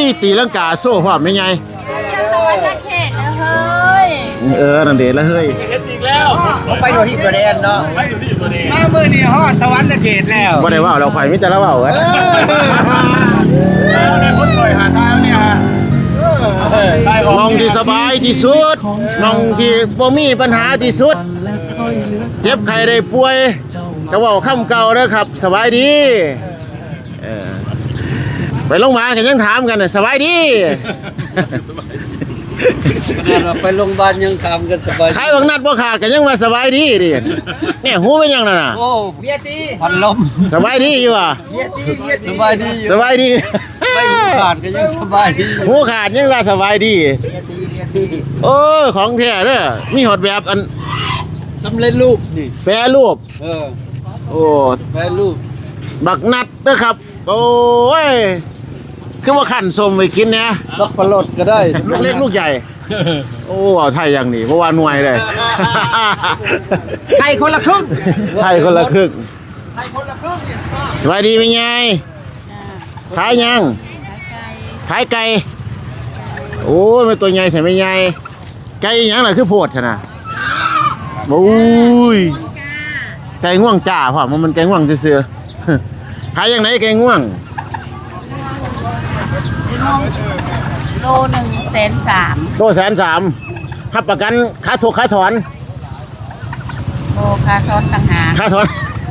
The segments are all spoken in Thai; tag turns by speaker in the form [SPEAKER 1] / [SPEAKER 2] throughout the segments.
[SPEAKER 1] ตีลังกาโซ่พร้อมไม่ไง
[SPEAKER 2] จะสวรรค์เขตนะเฮ้ย
[SPEAKER 1] นั่นเด็ดแล้วเฮ้ย
[SPEAKER 3] อีกแล้ว
[SPEAKER 4] ไปดูที่ประเด็นเนาะมาเมื่อนี้ฮอดสวรรค์เขตแล้ว
[SPEAKER 1] บ่ได้ว่าเราไข่มิแต่ละว่าเว้ย
[SPEAKER 3] คนปล่อยหาทางเนี่ย
[SPEAKER 1] มองที่สบายที่สุดมองที่บ่มีปัญหาที่สุดเจ็บไข้ได้ป่วยก็ว่าค่ำเก่าเด้อครับสบายดีไปโรงพยาบาลกันยังถามกันสบายดี
[SPEAKER 4] ไปโรงพยาบาลยังทำกันสบาย
[SPEAKER 1] ใครบางนัดบ่ขาดกันยังว่าสบายดีดิเนี่ยหูเป็นยังนั่นน่ะ
[SPEAKER 4] โอ้เบียตีพันลม
[SPEAKER 1] สบายดีอยู่อ่ะ
[SPEAKER 4] เบียตีสบายดี
[SPEAKER 1] สบายดี
[SPEAKER 4] ไม่ขาดก็ยังสบายดี
[SPEAKER 1] หูขาดยังว่าสบายดีโอ้ของแท้เด้อมีหอดแบบอัน
[SPEAKER 4] สำเร็จรูปนี่
[SPEAKER 1] แปรรูปโอ้
[SPEAKER 4] แปรรูป
[SPEAKER 1] บักนัดเด้อครับโอ้ยคือว่าขันสมไปกินเนี่ย
[SPEAKER 4] สับปะรดก็ได้
[SPEAKER 1] ลูกเล็กลูกใหญ่โอ้เอาไทยอย่างนี้เพราะว่าหน่วยเลย
[SPEAKER 4] ไทยคนละครึ่ง
[SPEAKER 1] ไทยคนละครึ่งสบายดีไหมยายขายยังขายไก่โอ้ยเป็นตัวใหญ่แต่ไม่ใหญ่ไก่ยังล่ะคือโพดขนาดโอ้ยไก่ง่วงจ่าพ่อมันไก่ง่วงเสือขายยังไหนไก่ง่วง
[SPEAKER 2] โล130,000
[SPEAKER 1] โล130,000หับประกันค่าถูกค่าถอน
[SPEAKER 2] โอ้ค่าถอนต่างหาก
[SPEAKER 1] ค่าถอน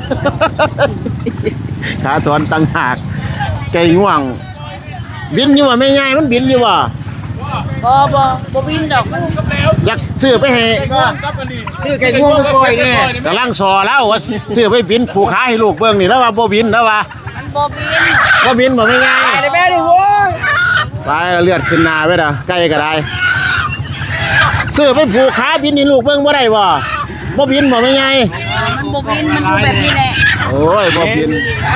[SPEAKER 1] ค่าถอนต่างหากไก่ง่วงบินอยู่ว่าไม่ง่ายมันบินอยู่ว่า
[SPEAKER 2] บ่บินดอกมัน
[SPEAKER 1] อยากซื้อไปให้
[SPEAKER 4] ซื้อไก่ง่วงไปปล่อยแน่
[SPEAKER 1] กำลังสอแล้วว่าซื้อไปบินผูกขาให้ลูกเบิ่งนี่แล้วว่าบ่บินแล้วว่า
[SPEAKER 2] มันบ่
[SPEAKER 1] บินบ่ไม่ง่าย
[SPEAKER 4] ไปแม่ดิโว้ย
[SPEAKER 1] ไปเลือดขึ้นหน้าไว้เด้อไก่ก็ได้ซื้อไปผูกขาบินนี่ลูกเบิ่งบ่ได้บ่บินบ่ไม่ง่าย
[SPEAKER 2] มันบ่บินมันอยู่แบบนี้แหละ
[SPEAKER 1] โอ้ยบ่บิน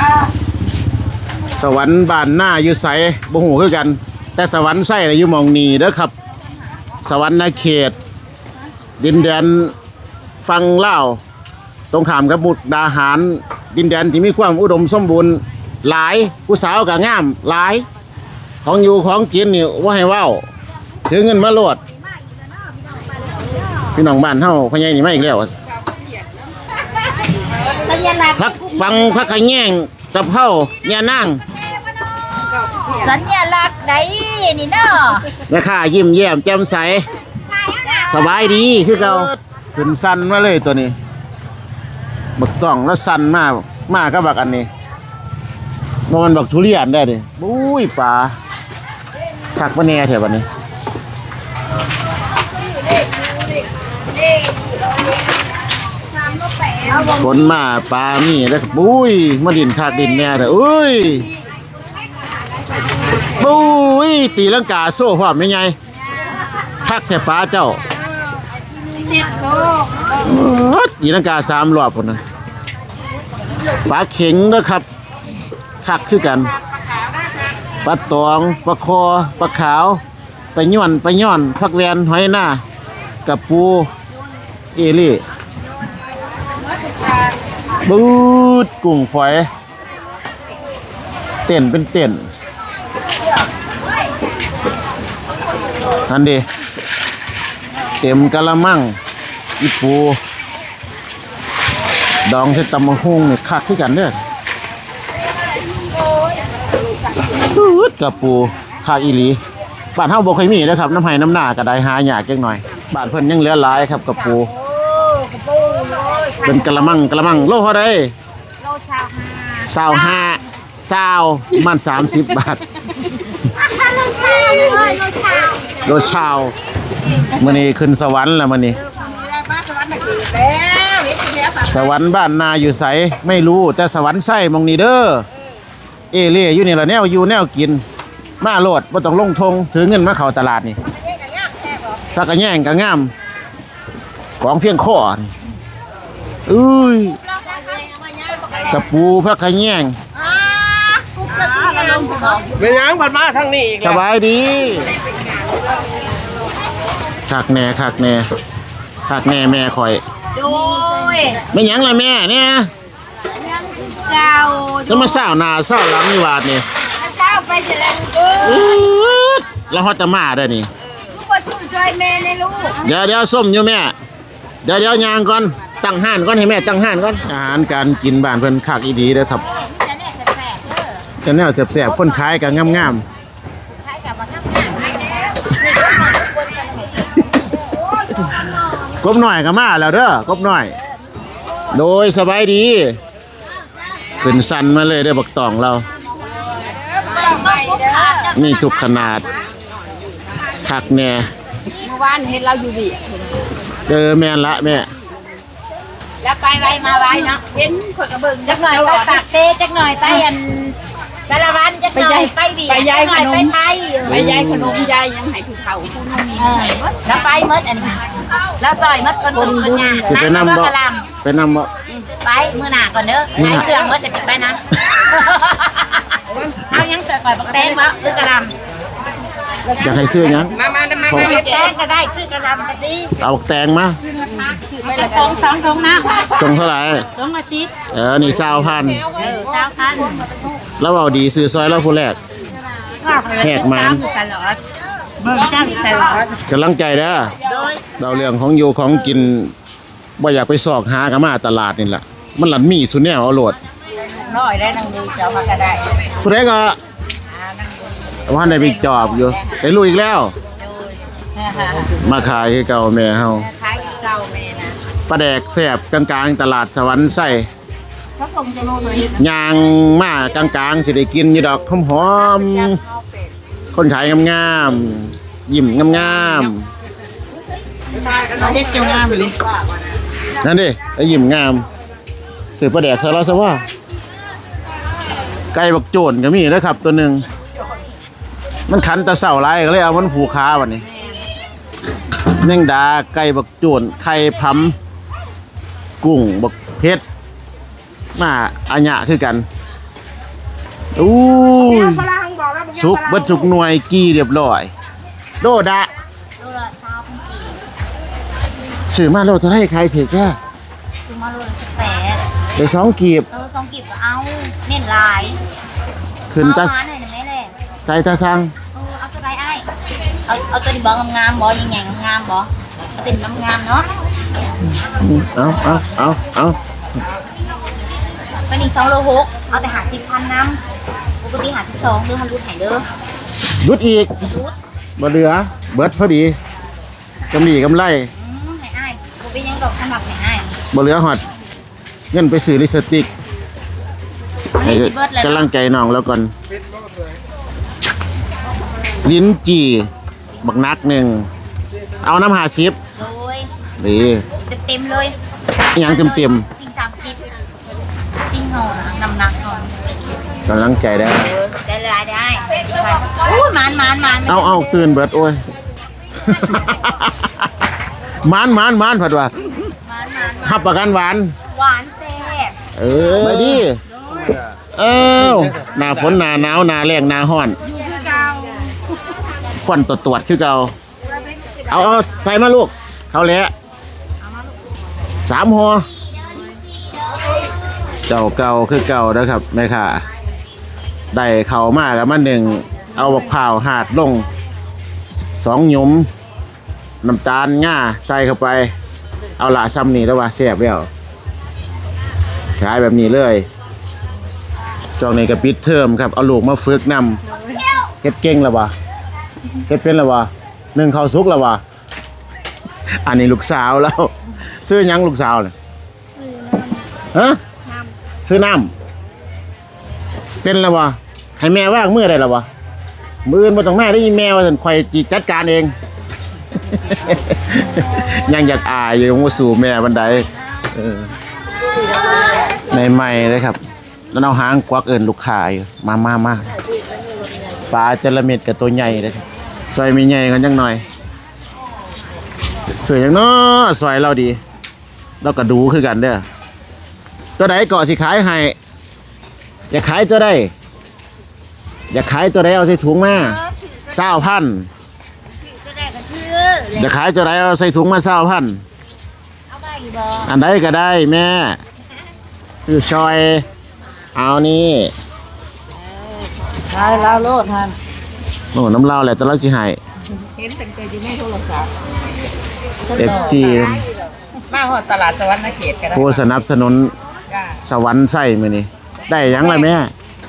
[SPEAKER 1] สวรรค์บ้านหน้าอยู่ไสบ่ฮู้คือกันแต่สวรรค์ไส้อยู่หม่องนี้เด้อครับสวรรค์เขตดินแดนฟังเล่าตรงข้ามกับมุกดาหารดินแดนที่มีความอุดมสมบูรณ์หลายผู้สาวก็งามหลายของอยู่ของกินนี่ว่าให้เว้าถือเงินมาโลดพี่น้องบ้านเฮาพ่อใหญ่นี่มาอีกแล้วพักฟังพักขะแยงกับเฮาแย่นาง
[SPEAKER 2] สัญลักษณ์ใดนี่เนาะ
[SPEAKER 1] แม่ค้ายิ้มแย้มแจ่มใสสบายดีคือเก่าขึ้นสั่นมาเลยตัวนี้บักต้องแล้วสั่นมากก็บักอันนี้มันบักทุเรียนได้ดิบุ้ยปลาผักมะแนแถวนี้ฝนมาปลามีแล้วบุ้ยมาดินคักดินแน่เถอะอุ้ยบุ้ยตีลังกาโซ่พร้อมไม่ไงคักแถวปลาเจ้าตีลังกา3 รอบคนนั้นปลาเข็งนะครับคักคือกันปลาตองปลาคอปลาขาวปลาย่อนผักแวนหอยหน้ากับปูเอลี่บูดกุ้งฝอยเต้นเป็นเต้นนั่นดิเต็มกะละมังอีปูดองใส่ตำมะฮุ่งนี่คักคือกันเด้อกับปูคาอีหลีบ้านเฮาบ่เคยมีนะครับน้ำไห้น้ำหน้าก็ได้หายากจังหน่อยบ้านเพิ่นยังเหลือหลายครับกับปูเป็นกะละมังโลเท่าใด
[SPEAKER 2] โล
[SPEAKER 1] 25มัน30 บาทโลชาวมื้อนี้ขึ้นสวรรค์แล้วมื้อนี้สวรรค์บ้านนาอยู่ไสไม่รู้แต่สวรรค์ไส้มองนี่เด้อเอเล่อยู่นี่ละแนวอยู่แนวกินมาโลดบ่ต้องลงทงถือเงินมาเข้าตลาดนี่ถ้าก็แย่งก็งามของเพียงข้อนี่อุ้ยสปูพักขะแยง
[SPEAKER 4] เป็นยังผ่านมาทางนี้อีก
[SPEAKER 1] สบายดีคักแน่แม่ข่อย
[SPEAKER 2] โดย
[SPEAKER 1] ไม่ยังล่ะแม่เนี่ย
[SPEAKER 2] เจ้า
[SPEAKER 1] แล้วมาเศร้าหน้าเศร้าหลังนี่วาดนี่
[SPEAKER 2] เจ้าไปเสร็จแล้ว
[SPEAKER 1] แล้วฮอตจะมาได้นี่
[SPEAKER 2] ลูกมาสู้จอยแม่ในลูก
[SPEAKER 1] เดี๋ยวส้มอยู่แม่เดี๋ยวยางก่อนตั้งห้านก่อนให้แม่ตั้งห้านก่อนอาหารการกินบ้านเพิ่นคักอีดีเด้อครับ
[SPEAKER 2] จะเนี่ยแสบๆเด้อ
[SPEAKER 1] จะแนวแซ่บๆคนขายก็งาม
[SPEAKER 2] คล้ายกับมันง่ายๆให้แล้วนี่ก็มาทุกคนกันไหม
[SPEAKER 1] ๆกบหน่อยก็มาแล้วเด้อกบหน่อย โดยสบายดีขึ้นสันมาเลยได้อบักตองเรา มีทุกขนาดคักแน่
[SPEAKER 2] เมื่อวานเห็นเราอยู่ดิ
[SPEAKER 1] แม่นละแม่
[SPEAKER 2] แล้วไปไวมาไวเนาะเห็นข่อยกระเบิงจักหน่อยไปปากเซจักหน่อยไปอันสารวัตรจักหน่อยไปบีจักหน่อยไปไทย
[SPEAKER 5] ไปยายขนมยายยังให้ผู้เฒ่าผู้นุ่ม
[SPEAKER 2] แล้วไปมดอันนี้แล้วซอยมดคนบุญงาน
[SPEAKER 1] สิไปนำบ่
[SPEAKER 2] กะล
[SPEAKER 1] ไปนำบ่
[SPEAKER 2] ำไปมื้อหน้าก่อนเด้อไปเครื่องมดจะสิไปนะเอายังใส่ก่อยบักแตงบ่หรือกะลำ
[SPEAKER 1] จะให้ซื้อหยัง
[SPEAKER 5] มา
[SPEAKER 1] ขอ
[SPEAKER 2] แตงก็ได้คือกะลำก็ดี
[SPEAKER 1] เอาบักแตงมา
[SPEAKER 2] ไปละตรงสองตรงนะ
[SPEAKER 1] ตรงเท่าไหร่
[SPEAKER 2] ตรงละสิบ
[SPEAKER 1] นี่20,000
[SPEAKER 2] เจ้าคัน
[SPEAKER 1] แล้วเอาดีซื้อซอยแล้วผู้แรก แหกมัน
[SPEAKER 2] ตลอดเบิ่งจ้างตลอด
[SPEAKER 1] กำลังใจเด้อ
[SPEAKER 2] โดย
[SPEAKER 1] เราเรื่องของอยู่ของกินบ่อยากไปสอกหากันมาตลาดนี่แหละมันหลันมีสุดแนวเอาโหลด
[SPEAKER 2] น้อยได้นั่งดูเจ้ามาก็ได้
[SPEAKER 1] ผู้ใดก็ว่าได้ไปจอบอยู่ได้รู้อีกแล้ว มาขายคือเก่าแม่เฮา
[SPEAKER 2] ขายเก่าแม่นะ
[SPEAKER 1] ปลาแดกแซ่บกลางๆตลาดสวรรค์ไส้
[SPEAKER 2] เขาส่งจะโน่นเลย
[SPEAKER 1] ยางมากลางๆสิได้กินอยู่ดอกหอมๆคนขายงามๆยิ้มงาม
[SPEAKER 5] เด็กเจ้างามเลย
[SPEAKER 1] ๆนั่นดิไอ้ยิ้มงามซื้อปลาแดกซะแล้วซะว่าไก่บักโจนก็มีนะครับตัวหนึงมันขันแตะเสาไรก็เลยเอามันผูกขาวันนี้แมงดาไก่บักโจนไข่พำกุ้งบักเพชรมาอัญญะคือกันอู้ยสุกเบัดสุกหน่วยกี่เรียบร้อยโดดะ
[SPEAKER 2] โลละ20,000กีบ
[SPEAKER 1] ซื้อมาโลเท่าไหร่ใครถือแค่
[SPEAKER 2] ซื้อมาโลละ18
[SPEAKER 1] ได้2กีบ
[SPEAKER 2] 2กีบก็เอาเน้นหลาย
[SPEAKER 1] ขึ้นตา
[SPEAKER 2] หาหน่อยได้ไหมแหละ
[SPEAKER 1] ใจตาสั่ง
[SPEAKER 2] เอาตัวใดอ้ายเอาตัวนี้บ่งามๆบ่ใหญ่ๆงามๆบ่เอาตัวนี้งามๆเนาะ
[SPEAKER 1] เอา
[SPEAKER 2] ตัวนี้2โล6เอาแต่50,000นำปกติ52เด้อ1,000รูดให้เด้อ
[SPEAKER 1] รุดอีก
[SPEAKER 2] รูด
[SPEAKER 1] บ่เหลือเบิดพอดีกำไร
[SPEAKER 2] ให้อ้ายบ่เป็นหยังดอกสมัครให้อ้าย
[SPEAKER 1] บ่เหลือหอดเงินไปซื้อลิปสติกให้กำลังใจน้องแล้วก่อนลิ้นจี่บักนักหนึ่งเอาน้ำ50
[SPEAKER 2] โดย
[SPEAKER 1] ดี
[SPEAKER 2] เต็มๆเลย
[SPEAKER 1] อิหยังเต็ม
[SPEAKER 2] สิ่ง30สิ่งห่อน้ำหนักห่อก
[SPEAKER 1] ำลังใจได้
[SPEAKER 2] ได้หลายได้โอ้ยมัน
[SPEAKER 1] เอาตื่นเบิดโอ้ย มันผัดว่าหับประกันหวาน
[SPEAKER 2] หวานแซ่บ
[SPEAKER 1] ไปดิหน้าฝนหน้าหนาวหน้าแล้งหน้าร้อนควันตรวจคือเก่าเอาใส่มาลูกเขาแหละ3 หัวเก่าคือเก่านะครับแม่ค่ะได้เข่ามากับมัน1เอาบักพร้าวหาดลง2 หยุมน้ำตาลง่าใส่เข้าไปเอาละซ้ำนี่แล้วว่าแซ่บแล้วขายแบบนี้เลยช่วงนี้ก็ปิดเทอมครับเอาลูกมาฝึกนำเฮ็ดเก่งแล้ววะเฮ็ดเป็นแล้ววะ1ข้าวสุกแล้ววะอันนี้ลูกสาวแล้วซื้อหยังลูกสาวเนี่ยฮะซื้อน้ำเป็นแล้ววะให้แม่ว่างมือได้แล้ววะมืออื่นบ่ต้องแม่ได้ยินแม่ว่าฉันข่อยจิจัดการเอง ยังอยากอายอยู่ว่าสู่แม่บันไดในใหม่เลยครับแล้วเอาหางควักเอิญลูกค้าอยู่มาปลาจระเม็ดกับตัวใหญ่เลยครับซอยมีใหญ่กันจังหน่อยสวยจังเนาะซอยเราดีเราก็ดูคือกันเด้อตัวไหนเกาะสิขายให้อยากขายตัวใดอยากขายตัวใดเอาใส่ถุงมา20,000
[SPEAKER 2] ก็ได้ก็คือ
[SPEAKER 1] อยากขายตัวใดเอาใส่ถุงมา20,000
[SPEAKER 2] เอาไปบ่
[SPEAKER 1] อันใดก็ได้แม่คือชอยเอานี่
[SPEAKER 2] ลายแล้วโลดท่าน
[SPEAKER 1] โอ้น้ำเหล้าแหละแต่เราสิให้
[SPEAKER 5] เห็นตั้งแต่อยู่ในโทรศัพท์
[SPEAKER 1] FC
[SPEAKER 5] มาฮอดตลาดสวรรค์เขตกัน
[SPEAKER 1] ผู้สนับสนุน
[SPEAKER 5] จ้า
[SPEAKER 1] สวรรค์ไส้มื้อนี้ได้หยังล่ะแม่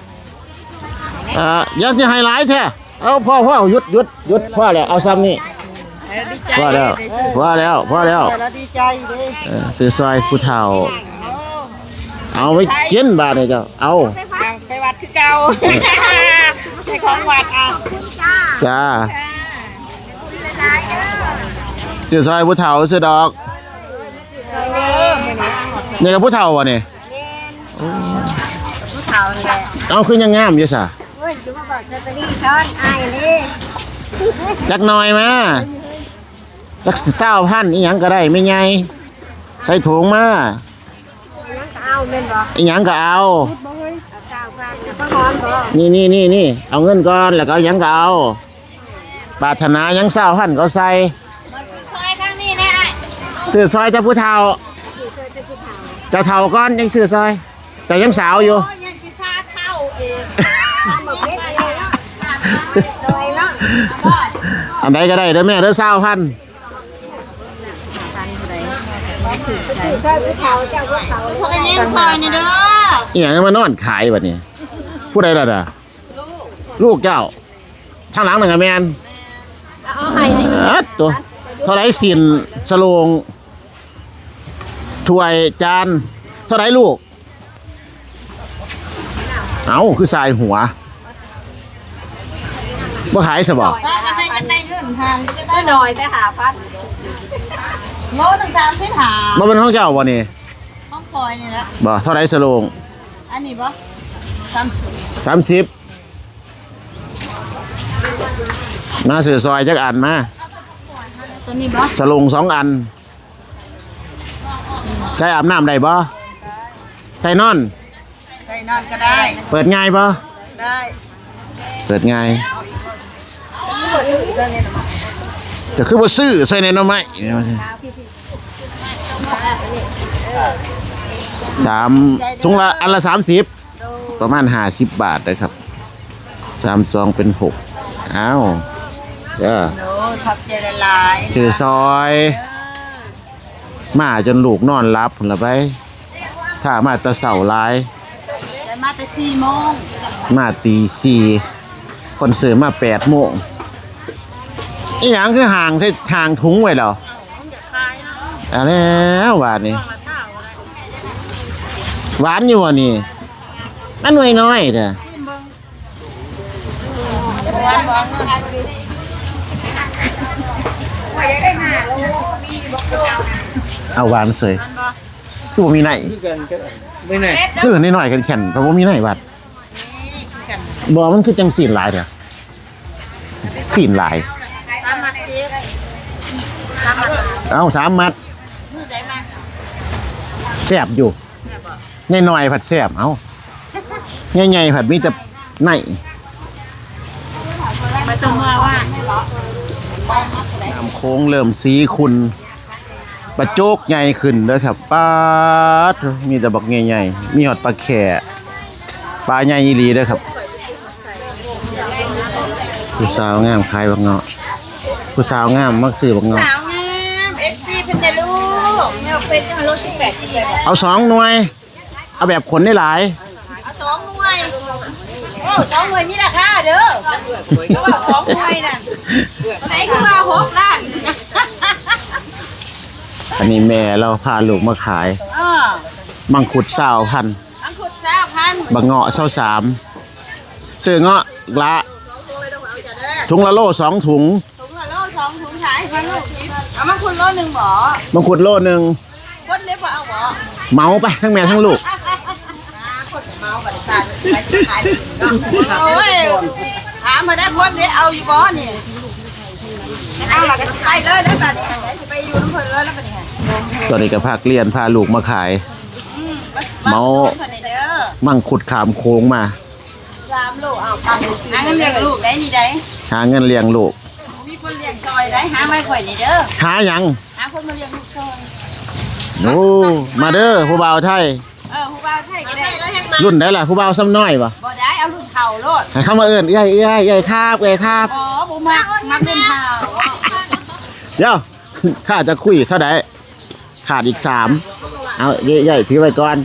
[SPEAKER 1] ยังสิให้หลายแท้เอาพ่อหยุดพ่อแล้วเอาซ้ำนี่
[SPEAKER 5] ดีใจ
[SPEAKER 1] พ่อแล้ว
[SPEAKER 2] แล้วดีใจเด้
[SPEAKER 1] คือซอยผู้เฒ่า เอาไว้กินบาดนี่เจ้าเอา
[SPEAKER 5] ไปวัดคือเก่าไปของวัดเอา
[SPEAKER 1] จ้าคือซอยผู้เฒ่าซื้อดอกนี่กับผู้เฒ่าบ่นี่
[SPEAKER 2] ผู้เฒ่านี่แหละ
[SPEAKER 1] เอาคือยังงามอยู่ซะ
[SPEAKER 2] เฮ้ยจะมาบอกสตอรี่ช้อนอายเลย
[SPEAKER 1] จักหน่อยมาจัก20,000อีหยังก็ได้ไม่ใหญ่ใส่ถุงมา
[SPEAKER 2] ยังก็เอาเม่นบ่
[SPEAKER 1] อีหยังก็เอา
[SPEAKER 2] สาวกันก็หอมบ่
[SPEAKER 1] นี่เอาเงินก่อนแล้วก็เอาหยังก็เอาปรารถนาหยัง20,000ก็ใส่
[SPEAKER 2] มาซื้อซอยทางนี้แน่
[SPEAKER 1] ซื้อซอยเจ้าผู้เฒ่าเจ้าเฒ่าก่อนยังซื้อซอย แต่ยังสาวอยู่
[SPEAKER 2] ยังสิท่าเท่าเองทำบ่เฮ็ดอะไรเนาะซอยเนาะ
[SPEAKER 1] อันใดก็ได้เด้อแม่เด้อ20,000
[SPEAKER 2] ถ้าผู้เฒ่าเจ้าผู้เฒ่าพวกนี้ซอยนี่เด้อ
[SPEAKER 1] อีหยังมานอนขายบัดนี้ผู้ใดล่ะเด้อลูกเจ้าทางหลังนั่นก็แม่น
[SPEAKER 2] เอาให้นี่
[SPEAKER 1] ตัวเท่าไหร่สินสโลงถ้วยจานเท่าไหร่ลูกเอาคือสายหัวบ่ขายซะบ่
[SPEAKER 2] ถ้าไม่กันได้เงินทางจะได้หน่อยแต่หาพัดโลนึง30หา
[SPEAKER 1] บ่เป็นของเจ้าบ่นี่
[SPEAKER 2] ต้องคอยนี่ละ
[SPEAKER 1] บ่เท่าไหร่สโลง
[SPEAKER 2] อันนี้บ่30
[SPEAKER 1] 30มาซื้อซอยจักอันมา
[SPEAKER 2] ตัวนี้บ่
[SPEAKER 1] สโลง2อันใช้อาบน้ำได้บ่ใช้นอน
[SPEAKER 2] ใส่นอนก็ได้
[SPEAKER 1] เปิดง่ายบ่
[SPEAKER 2] ได้
[SPEAKER 1] เปิดง่ายจะคือบ่ซื้อใส่ในหน่อไม้ถุงละอันละ30ประมาณ50 บาทนะครับ3ซองเป็น6อ้าวเด้อ
[SPEAKER 2] โน้ทับใจละลาย
[SPEAKER 1] ชื่อซอยมาจนลูกนอนรับพุ่นละไปถ้ามาแตะเสาหลาย
[SPEAKER 2] ได้มาแต่4 โมง
[SPEAKER 1] มาตี4คนซื้อมา8 โมงอีหยังคือห่างถุงไว้แล้วเอาแล้วหวานนี่หวานอยู่บ่นี่มันหน่วยน้อยเด้อเอาหวานเสยคือบ่มีไหน
[SPEAKER 4] ไม่แน่
[SPEAKER 1] คือนิดหน่อยกันแข็งเพราะบ่มีไหนบัดบ่มันคือจังสีนหลายเด้อสีนหลาย เอา3 มัดแซ่บอยู่น้อยๆผัดแซ่บเอาใหญ่ๆผัดมีแต่ไหน
[SPEAKER 2] ไม่ต้องมาว่า
[SPEAKER 1] น้ำโค้งเริ่มสีขุ่นปลาโจกใหญ่ขึ้นเด้อครับปลาดมีแต่บักใหญ่ๆมีหอดปลาแข่ปลาใหญ่อีหลีเด้อครับผู้สาวงามขายบักเงาะผู้สาวงามมักซื้อบักเงาะ
[SPEAKER 2] สาวงาม FC เพิ่นได้ลูกเนี่ยเป็นจังรถ18ที่เลย
[SPEAKER 1] เอา2 หน่วย เอาแบบขนได้หลาย
[SPEAKER 2] เอา2 หน่วยโอ้2 หน่วยมีราคาเด้อเพราะว่า2 หน่วยน่ะไหนคือว่า6 ล้าน
[SPEAKER 1] อันนี้แม่เราพาลูกมาขาย มังคุด20,000
[SPEAKER 2] อังคุด20,000
[SPEAKER 1] บักเงาะ23ซื้อเงาะละถุงละโล2 ถุง
[SPEAKER 2] ถุงละโล2 ถุงขายให้ลูกเอามาคุณโลนึงบ่
[SPEAKER 1] มังคุดโลนึง
[SPEAKER 2] คนได้บ่เอาบ่
[SPEAKER 1] เหมาไปทั้งแม่ทั้งลูก
[SPEAKER 2] คนเมาบัดซานไปขายโอ้ยถามมาได้คนได้เอาอยู่บ่นี่เอาล่ะก็สิไปเลยแล้วบัดนี้สิไปอยู่นำเพิ่นเลยแล้วบัดนี้
[SPEAKER 1] ตอนนี้ก็พาเรียนพาลูกมาขาย เมา
[SPEAKER 2] เพิ่นนี่เด้อ
[SPEAKER 1] มังคุดขามโค้งมา
[SPEAKER 2] 3 โลเอาปังหาเงินเลี้ยงลูกได้นี่ได้
[SPEAKER 1] หาเงินเลี้ยงลูก
[SPEAKER 2] มีคนเลี้ยงซอยได้หาไม้ข่อยนี่เด้อ
[SPEAKER 1] หาหยัง
[SPEAKER 2] หาคนมาเลี้ยงลูกซอย
[SPEAKER 1] โอ้มาเด้อผู้บ่าวไทย
[SPEAKER 2] ผู้บ่าวไทยก็ได้
[SPEAKER 1] รุ่นไหนล่ะผู้บ่าวซ้ำน้อยปะ
[SPEAKER 2] บ่ได้เอาลูกเข่าโลด
[SPEAKER 1] ให้เข้ามาเอิ้นเอ้ยครับเอ้ยครับ
[SPEAKER 2] อ๋อบุมักเล่นเข่า
[SPEAKER 1] เดี๋ยว ข้าจะคุยเท่าไหร่ขาดอีก3เอาใหญ่ถือไว้ก่อน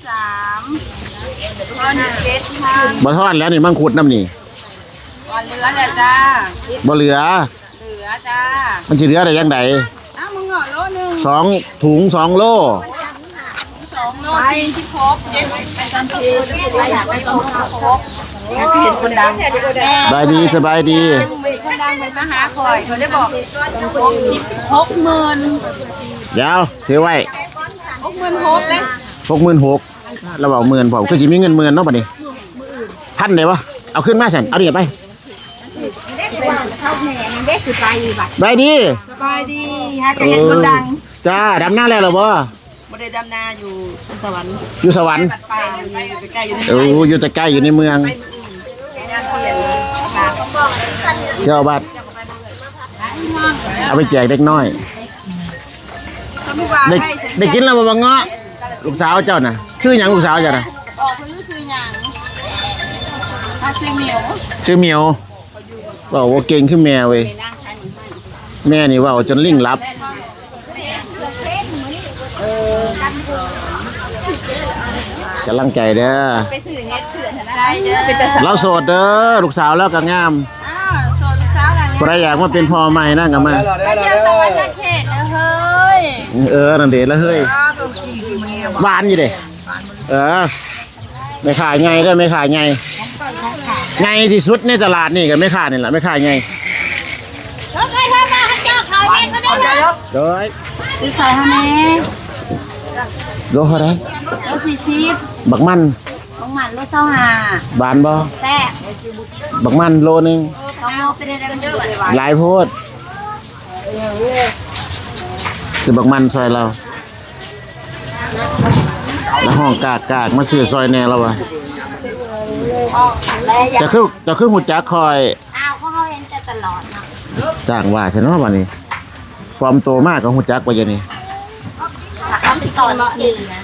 [SPEAKER 2] 43ตอน7ค่ะ
[SPEAKER 1] บ่ทอดแล้วนี่มังคุดน้ำนี่
[SPEAKER 2] ก่อนเหลือเลยจ้า
[SPEAKER 1] บ่เหลือ
[SPEAKER 2] เหลือจ้า
[SPEAKER 1] มันสิเหลือได้ยังไง
[SPEAKER 2] อ้าวมึงเหงาโลนึง
[SPEAKER 1] 2 ถุง 2 โล
[SPEAKER 2] 2 โล46 7เป็นกันทีอยากไปครบอยากเห็นคนดัง
[SPEAKER 1] สบายดีสบายดี
[SPEAKER 2] คนดังไปมาหาคอยเขาเลยบอก60,000
[SPEAKER 1] เดี๋ยวถือไว้
[SPEAKER 2] 66,000เลย
[SPEAKER 1] 66,000แล้วบอกหมื่นผมคือสิมีเงินหมื่นเนาะบัดนี้พันได้บ่เอาขึ้นมาสั่นเอาเดี๋ยวไปสบายดี
[SPEAKER 2] สบายดีหาจะเห็นคนดัง
[SPEAKER 1] จ้าดำหน้าแล้วเหรอบ่
[SPEAKER 2] บ่ได้ดำนาอยู่สวรรค์
[SPEAKER 1] อยู่สวรรค์
[SPEAKER 2] ไปใกล้อยู่ใน
[SPEAKER 1] อยู่แต่ใกล้อยู่ในเมือง
[SPEAKER 2] งานเปลี่ยน
[SPEAKER 1] เจ้าบัตรเอาไปแจกเด็กน้อย
[SPEAKER 2] เขาไม่ว่า
[SPEAKER 1] เด็ก
[SPEAKER 2] ให้เสร็จ
[SPEAKER 1] เด็กกินแล้วบ่เงาะลูกสาวเจ้าน่ะชื่อหยังลูกสาวเจ้าน่ะ
[SPEAKER 2] ออกเพิ่นรู้สึกหยังชื่อเหมียว
[SPEAKER 1] ชื่อเหมียวบอกว่าเก่งขึ้นแม่เว้ยแม่นี่เว่าจนลิงลับกำลังใจเด้อ
[SPEAKER 2] ใช่เด้อ
[SPEAKER 1] เราโสดเด้อลูกสาวแล้วก็งาม
[SPEAKER 2] อ้าวโสดลูกสาวกัน
[SPEAKER 1] ใครอยากมาเป็นพ่อใหม่นั่งกันมา
[SPEAKER 2] ไปเที่ยวสวรรค์เขตนะเฮ้ย
[SPEAKER 1] นั่นเด็ดแล้วเฮ้ย
[SPEAKER 2] อ้าวเป็นกี่ที่มันเนี่ย
[SPEAKER 1] หวานอยู่เด้ไม่ขายไงได้อไม่ขายไงไงที่สุดในตลาดนี่ก็ไม่ขายนี่แหละไม่ขายไง
[SPEAKER 5] รถไฟฟ้ามาให้เจ้าเขาเองก็ได้นะ
[SPEAKER 1] โดย
[SPEAKER 5] ซื้อซอยฮะแม่
[SPEAKER 1] โดยเท่าไหร
[SPEAKER 5] รถ40
[SPEAKER 1] บักมัน
[SPEAKER 5] ของมันรถ25
[SPEAKER 1] บานบ่
[SPEAKER 5] แซ่บ
[SPEAKER 1] บักมันโลนึง
[SPEAKER 5] 2โลไปได้กันเด้อ
[SPEAKER 1] หลายโพดซื้อบักมันซอยเราแล้วห้องกากมาซื้อซอยแน่เราวะ
[SPEAKER 5] แล้วอยาก
[SPEAKER 1] จะคือหูจักคอย
[SPEAKER 5] อ้าวเขาเห็นแต่ตลอดเนาะ
[SPEAKER 1] จ้างว่าใช่เนาะวันนี้ความโตมากของหูจักว่าอย่างนี้
[SPEAKER 5] ทำที่ก่อนดีนะ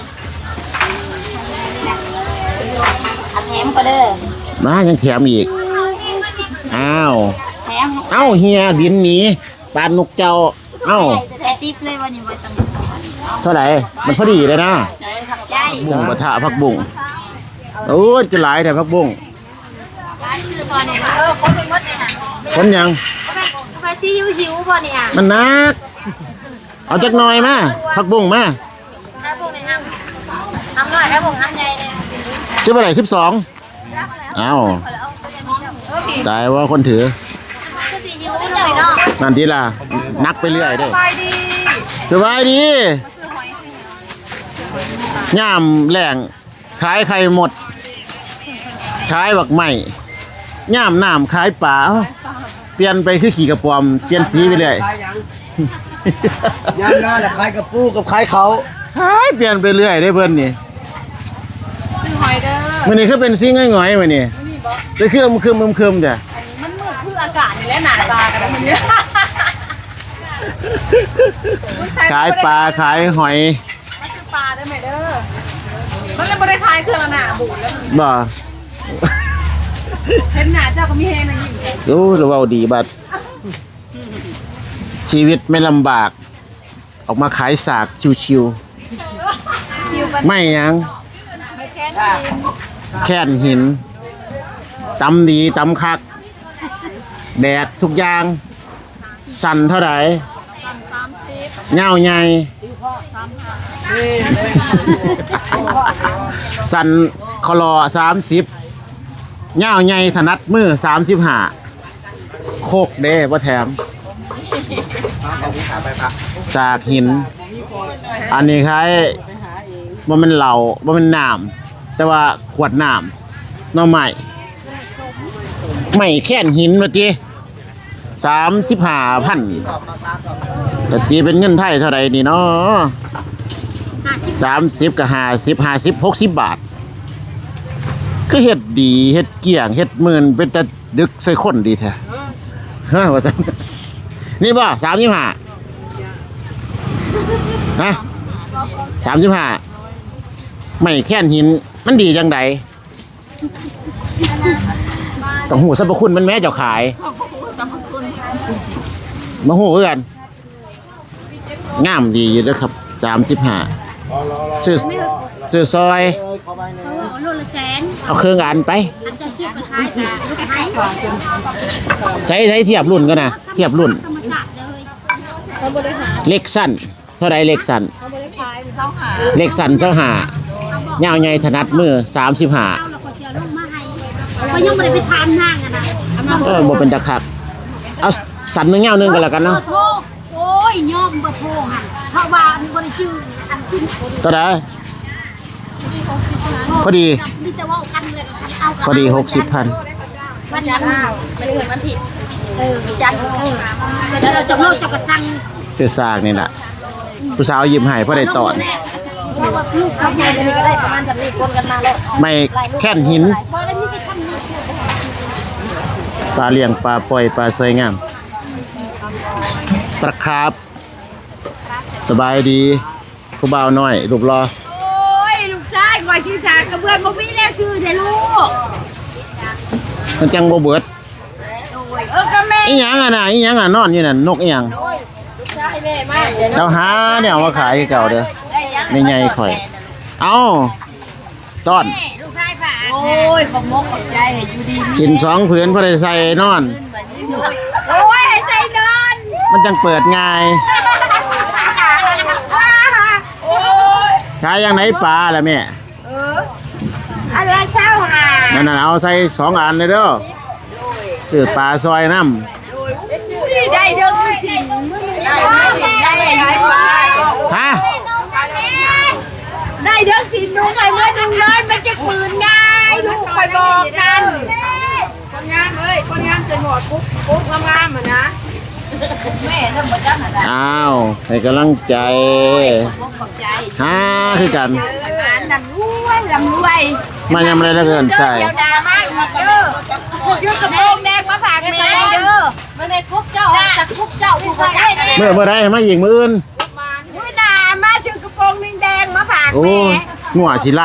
[SPEAKER 5] อาแถมก็เด้อ
[SPEAKER 1] ยังแถมอีกอ้าว
[SPEAKER 5] แถม
[SPEAKER 1] เอ้าเฮียบินหนีปานนกเจ้าเอ้า
[SPEAKER 5] แต่ติ๊บเลยวันนี้ไว้ตำ
[SPEAKER 1] เท่าไหร่มันพอดีเลยนะ
[SPEAKER 5] ใหญ่
[SPEAKER 1] บุ้งปะทะผักบุ้งโอ้ยจะหลายแต่ผักบุ้ง
[SPEAKER 5] ร้านซื้อซอยนี่คนเป็นมดเลยค่ะ
[SPEAKER 1] คนยัง
[SPEAKER 5] ไปซีหิวๆบ่เนี่ย
[SPEAKER 1] มันนักเอาจักหน่อยมาผักบุ้งมา
[SPEAKER 5] ถ้าพวกในห้างทำหน่อยถ้าพวกทำใหญ่เนี่ย
[SPEAKER 1] ชื่ออะไร12เอ้าตายว่าคนถือ
[SPEAKER 5] ก็ซีหิวได้เลยเนาะ
[SPEAKER 1] นั่นทีล่ะนักไปเรื่อยเด้อ
[SPEAKER 2] ไปดี
[SPEAKER 1] สบายดีย่ามแหล่งขายไข่หมดขายบักใหม่ย่ามน้ำขายป่าเอ้าเปลี่ยนไปคือขี่กระป๋อมเปลี่ยนสีไปเรื่อย
[SPEAKER 4] ยามหน้าแหละขายกับปูกับขายเขา
[SPEAKER 1] ขายเปลี่ยนไปเรื่อยได้เพิ่นนี่
[SPEAKER 2] ซื้อหอยเด้อ
[SPEAKER 1] มื้อนี้คือเป็นสีง่อยๆมื้อนี้จะคือคึมจ้ะ
[SPEAKER 2] มันมืดคืออากาศนี่แหละหนาตากันแล้วมันเนี่ย
[SPEAKER 1] ขายปลาขายหอย
[SPEAKER 2] มาซื้อปลาได้ไหมเด้อมันเลยไม่ได้ขายเครื่องหนาบูดแล้วมัน
[SPEAKER 1] บ่
[SPEAKER 2] เห็นหนาเจ้าก็มีเฮนะยิ่ง
[SPEAKER 1] รู้หรือว่าดีบัดชีวิตไม่ลำบาก ออกมาขายสากชิวๆไม่หยัง
[SPEAKER 2] ไม่แค้น
[SPEAKER 1] แค่นหินตำดีตำคัก แดดทุกอย่าง สั่นเท่าไหร่เงาใหญ่สั่นคลอ30เงาใหญ่ถนัดมือ35โคกเด้บ่แถมสากหิน อันนี้คล้ายบ่แมันเหล่าบ่แมันน้ำแต่ว่าขวดน้ำหน่อใหม่ไม่แค่นหินว่าติ35,000แต่ตีเป็นเงินไทยเท่าไหร่นี่เนาะ30กับ50 60 บาทก็เฮ็ดดีเฮ็ดเกี่ยงเฮ็ดหมื่นเป็นแต่ดึกใส่คนดีแท้ฮะว่าซั่นนี่บ่35ฮะ35ไม่แค่นหินมันดีจังไดต้องหูสรรพคุณมันแม้เจ้าขายมาหูคือกันงามดีอยู่เด้อครับ35ซื้อซอย
[SPEAKER 6] เขาว่าโลละแสน
[SPEAKER 1] เอาเครื่องอันไป
[SPEAKER 6] อันจะเทียบกับขายแต่ลูกขาย
[SPEAKER 1] ใช้เทียบรุ่นกันนะเทียบรุ่น
[SPEAKER 6] ธรรมชาติเลย
[SPEAKER 1] เล็กสั้นเท่าไรเล็กสั้นเล็กสั้นยาวใหญ่ถนัดมือ35
[SPEAKER 6] เอาแล้วก็เชื่อลูกมาให้ก็ยังไม่ได้ไปทานนั่งกันนะ
[SPEAKER 1] บ่เป็นตะคักเอาสันหนึงยาวหนึงก็แล้วกันเนาะ
[SPEAKER 6] โทรโอ้ยยอมบ่โทรหันเพราะว่าบริชื่ออันขึ้น
[SPEAKER 1] เท่าไรพอดี
[SPEAKER 6] มีแต่ว่ากันเลยเอา
[SPEAKER 1] พอดี60,000
[SPEAKER 6] วันจันทร์เป็นอื่นวันผิดจันทร์เดี๋ยวเราจะโลดจะกระสัง
[SPEAKER 1] คือซากนี่แหละผู้สาวยิ้มให้พอได้ตอน
[SPEAKER 6] ลูกเขาใหญ่ก็ได้ประมาณแบบนี้คนกันมาแล้ว
[SPEAKER 1] ไม่แค่นหิน
[SPEAKER 6] พอแล้วนี่จะทำนี่
[SPEAKER 1] ปลาเลี้ยงปลาปล่อยปลาสวยงามปลาครับสบายดีผู้บ่าวน้อยรูปรอ
[SPEAKER 2] โอ้ยลูกชายคอยชื่อชากระเบื้องบ่มีแนวชื่อเด้ลูก
[SPEAKER 1] มันจังบ่เบิด
[SPEAKER 2] ก็แม่
[SPEAKER 1] อีหยังอ่ะน่ะอีหยังอ่ะนอนอยู่นั่นนกอีหยัง
[SPEAKER 2] ชายแม่มาเดี๋ยว
[SPEAKER 1] เราหาเนี่ยเอามาขายคือเก่าเด้อ
[SPEAKER 2] ได้ยัง
[SPEAKER 1] ไม่ใหญ่ข่อยเอาต้อน
[SPEAKER 2] ลูกชายฝาโอ้ยขอบมกขอบใจให้อยู่ดี
[SPEAKER 1] ชิ้น2ผืนพอได้ใส่นอน
[SPEAKER 2] โอ้ยให้ใส่นอน
[SPEAKER 1] มันจังเปิดง่าย
[SPEAKER 2] โอ้ย
[SPEAKER 1] ขายอย่างไหนปลาล่ะแม่
[SPEAKER 2] อะไรเช้าหา
[SPEAKER 1] นั่นน่ะเอาใส่2อันเลยเด้อซื้อปลาซอยน้ำ
[SPEAKER 2] ได้เด้อจริงได้ปลา
[SPEAKER 1] ฮะ
[SPEAKER 2] ได้เด้อสิหนูไปเมื่อนึงเลยมันจะปืนง่ายลูกไปบอกกันคนงามเอ้ยคนงามจะหมดปุ๊บงามๆอ่ะนะแม่ทำบ่จังอ่ะ
[SPEAKER 1] อ้าวให้กำลังใจ
[SPEAKER 2] ขอบใจ
[SPEAKER 1] ฮาคือกัน
[SPEAKER 2] ลำรวย
[SPEAKER 1] มายำอะไรแล้วเกินใช่
[SPEAKER 2] เดี๋ยวดามาอีกเด้อชื่อกระโปรงแดงมาฝากแม่เด้อ
[SPEAKER 6] ไม่ได้กุ๊กเจ้าแต่กุ๊กเจ้าผู้คนได้
[SPEAKER 1] เมื่อไรมาอีกมื้ออื่น
[SPEAKER 2] อุ้ยดามาชื่อกระโปรงแดงมาฝาก
[SPEAKER 1] โอ้
[SPEAKER 2] แม่
[SPEAKER 1] งัวสิไล่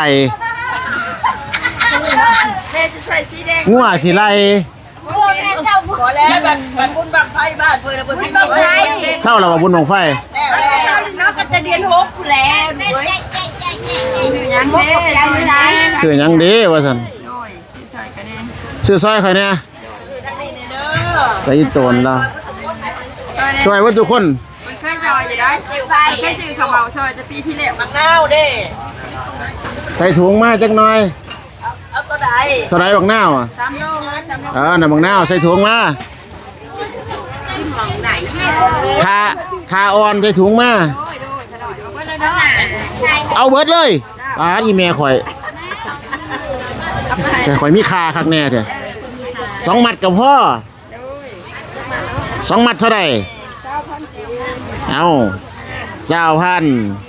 [SPEAKER 2] แม่จะใส่สีแดง
[SPEAKER 1] งัวสิไล่
[SPEAKER 2] โอ้แม่เจ้าขอแล้วบันบุญบังไฟบ้านเพิ่นบุญบังไฟ
[SPEAKER 1] เศร้าแล้วว่าบุญบังไฟ
[SPEAKER 2] แล้วน้องก็จะเรียน6แล้วด้วยยังแม่ยังไม่ได้
[SPEAKER 1] ชื่อหยังเดีว่าซั่นชื่อซอยใครเนี่ยใส่โตนแล้วซอยว่าทุกคน
[SPEAKER 5] เคยซอยอยู่ได้เคยซื้อข้าวเหมาซอยจะปีที่แล้ว
[SPEAKER 2] มังนาวเด้
[SPEAKER 1] ใส่ถุงมาจักหน่อย
[SPEAKER 2] เอาตัวใด
[SPEAKER 1] เท่าไหร่บักนาวอ่ะ
[SPEAKER 5] 3 โล3 โล
[SPEAKER 1] น่ะบักนาวใส่ถุงมาคาอ่อนใส่ถุงมาเอาเบิดเลยปาดอีแม่ข่อยแต่ข่อยมีคาคักแน่เถอะ2 มัดกับพ่อ2 มัดเท่าไหร่เอา9,000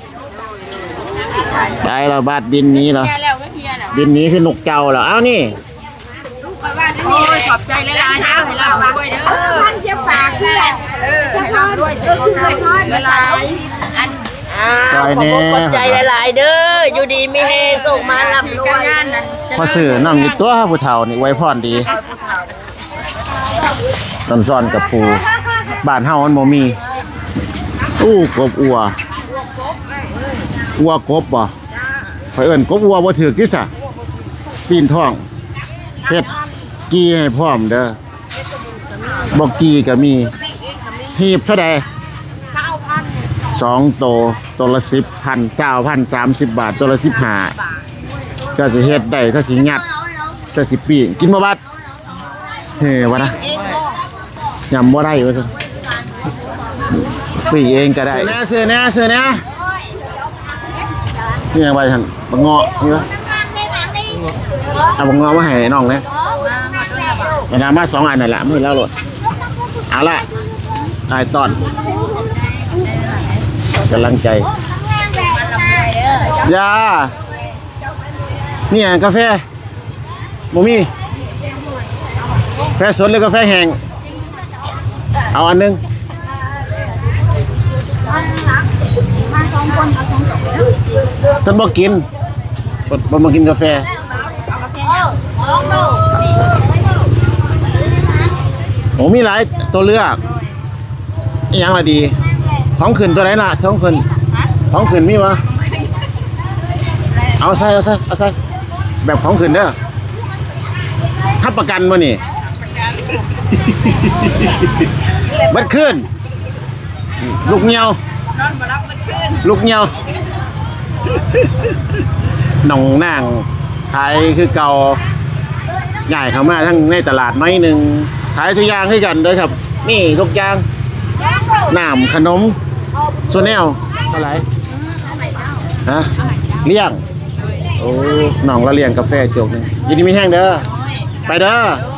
[SPEAKER 1] ได้แล้วบาทบินนี้เหรอ
[SPEAKER 5] เทียแล้วก็เทียแล้ว
[SPEAKER 1] บินนี้คือนกเจ้าเหรอเอานี่
[SPEAKER 5] โอ้ยขอบใจหลายๆนะให้เราด้วยเด้อ
[SPEAKER 2] ท่านจะฝากเพื่อน
[SPEAKER 5] ให้เราด้วยเด้อหลายอัน
[SPEAKER 1] ซอยแน่
[SPEAKER 2] ใจหลายๆเด้ออยู่ดีมีเฮส่งมาลำรวย
[SPEAKER 5] งานนั้น
[SPEAKER 1] พอซื้อน้ำอยู่ตัวผู้เฒ่านี่ไว้พรดีซ่อนๆกับปูบ้านเฮามันบ่มีอู้กบอัวกบบ่ข่อยเอิ้นกบอัวบ่ถูกที่ซะปีนท้องเฮ็ดกี้ให้พร้อมเด้อบ่กี้ก็มีหีบเท่าใด2โตตัวละ10,000 20,000 30 บาทตัวละ15ก็สิเฮ็ดได้ถ้าสิงัดก็สิปีนกินบ่บัดเฮ้วะนะยำบ่ได้ว่าซั่นปีเองก็ได้เสื้อแน่นี่ยังไงท่านบังเงาะนี่วะเอาบังเงาะมาให้น้องเลยเอาน้ำมา2 อันนั่นแหละมือแล้วโหลดเอาละตายตอนกำลังใจยานี่กาแฟบ่มีแฟสดหรือกาแฟแห้งเอาอันนึงฉันบอกกินบ่กินกาแฟผมมีหลายตัวเลือกอีหยังละดีของขึ้นตัวไหนล่ะของขึ้นมีวะเอาใส่แบบของขึ้นเด้อทับประกันมานี่เบัดขึ้นลูกเงียวน
[SPEAKER 2] อนมารับมันขึ้น
[SPEAKER 1] ลูกเงียวหนองนางขายคือเก่าใหญ่เข้ามาทั้งในตลาดน้อยหนึ่งขายทุกอย่างให้กันเด้อครับนี่ทุกอย่างน้ำขนมโซเนลเท่าไหร่ฮะเลี้ยงโอ้หนองละเลี้ยงกาแฟจกนี่ยินดีไม่แห้งเด้อไปเด้อ